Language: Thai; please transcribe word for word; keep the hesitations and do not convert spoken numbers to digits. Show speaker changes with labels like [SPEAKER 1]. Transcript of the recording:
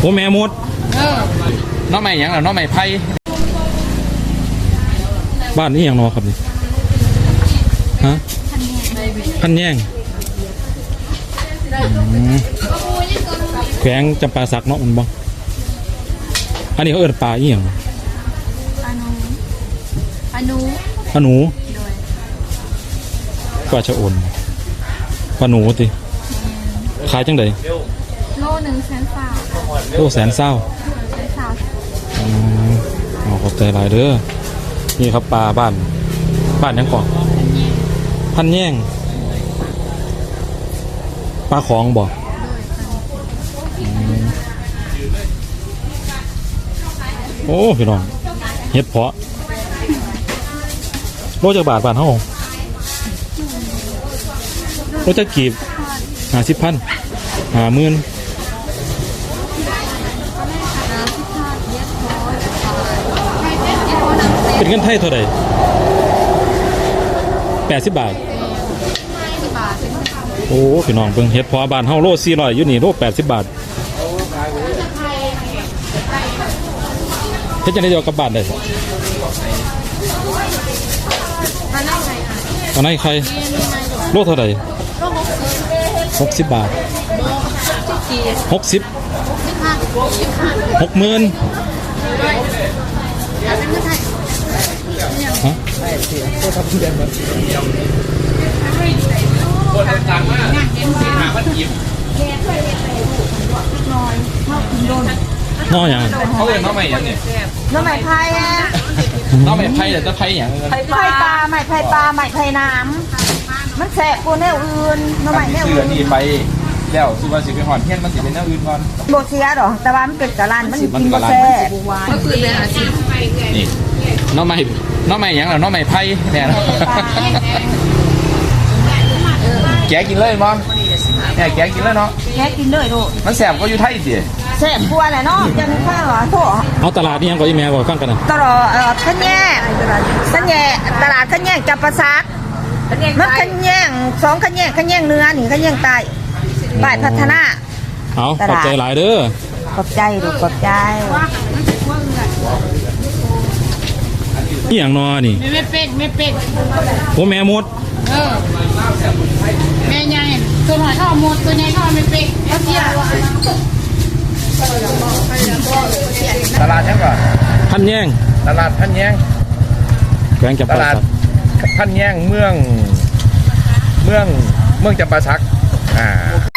[SPEAKER 1] โอ้แม่มด
[SPEAKER 2] น้องใหม่ยังหรอน้องใหม่ไพ่
[SPEAKER 1] บ้านนี้อย่างนอครับนี่ฮะพันแย่งแขวงจำปาสักเนาะมันบ้างอันนี้เขาเอิ้นปลาอีหยัง
[SPEAKER 3] ปลาหนูปลาหนู
[SPEAKER 1] ปลาหนูปลาชะอมปลาหนูติขายจังได
[SPEAKER 3] โลหนึ่งแสนสาว
[SPEAKER 1] โลแสนเศร้า
[SPEAKER 3] แสนสาว
[SPEAKER 1] อ๋อเอาขอบใจหลายเด้อนี่ครับปลาบ้านบ้านยังก่อนพันแย่งปลาของบ่โอ้พี่น้องเฮ็ดเพาะโลจากบาทบาทเท่าโลจากกีบหาสิบพันหาหมื่นเป็นเงินไทยเท่าไหร่แปดสิบบาทโอ้พี่น้องเพิ่งเฮ็ดเพาะบาทเท่าโลสี่ร้อยอยู่นี่โลแปดสิบบาทเฮ็ดจะได้เดียวกับบาทได้ตอนไหนใครโลเท่าไหร่หกสิบบาทหกสิบหกหมื่นฮะน้ออย่าง
[SPEAKER 2] เขาเรียกน้องใหม่ยังเนี่ย
[SPEAKER 4] น้องใหม่ไผ่อะ
[SPEAKER 2] น้องใหม่ไพ่แต่จะไพ่อย่าง
[SPEAKER 4] ไผ่ปลาใหม่ไผ่ปลาใหม่ไผ่น้ำมันแสบกูแนวอื่นน้องใหม่แนวอื่น
[SPEAKER 2] นี่ไปแล้วสุภาษิตไปหอนเที่ยงมันสิเป็นแนวอื่นก่อน
[SPEAKER 4] โบเสียหรอแต่ว่ามันเป็นกะลันมันกินโบแสบ
[SPEAKER 2] นี่น้องใหม่น้องใหม่ยังหรอน้องใหม่ไพ่เนี่ยแกกินเลยมั้งเนี่ยแกกินเลยเนาะ
[SPEAKER 4] แกกินเลยลูก
[SPEAKER 2] มันแสบก็อยู่ไทยสิ
[SPEAKER 4] แสบกลัวแหละเนาะจะมีข้าวเหรอโถ
[SPEAKER 1] เอาตลาดนี่ยังก่อนอีแม่ก่อนฟังกันนะ
[SPEAKER 4] ตลาดเอ่อขันแย่ขันแย่ตลาดขันแย่จับประซักมันขันแย่สองขันแย่ขันแย่เนื้อหนึ่งขันแย่ใต้บ่ายพัฒนา
[SPEAKER 1] เอาขอบใจหลายเด้อ
[SPEAKER 4] ขอบใจลูกขอบใจ
[SPEAKER 1] อีหยังนอนี่
[SPEAKER 3] ไม่เป็ดไม่เป็ด
[SPEAKER 1] โอ้แม่มด
[SPEAKER 3] เออแม่ใหญ่ตัวหน่อยเข้าหมดตัวใหญ่เข้าไม่เป็ดแล้วเที่ยว
[SPEAKER 2] ตลาดยังก่อน
[SPEAKER 1] พันแย่ง
[SPEAKER 2] ตลาดพันแย่ง
[SPEAKER 1] แขวงจำปาสัก
[SPEAKER 2] พันแย่งเมืองเมืองเมืองจำปาสักอ่า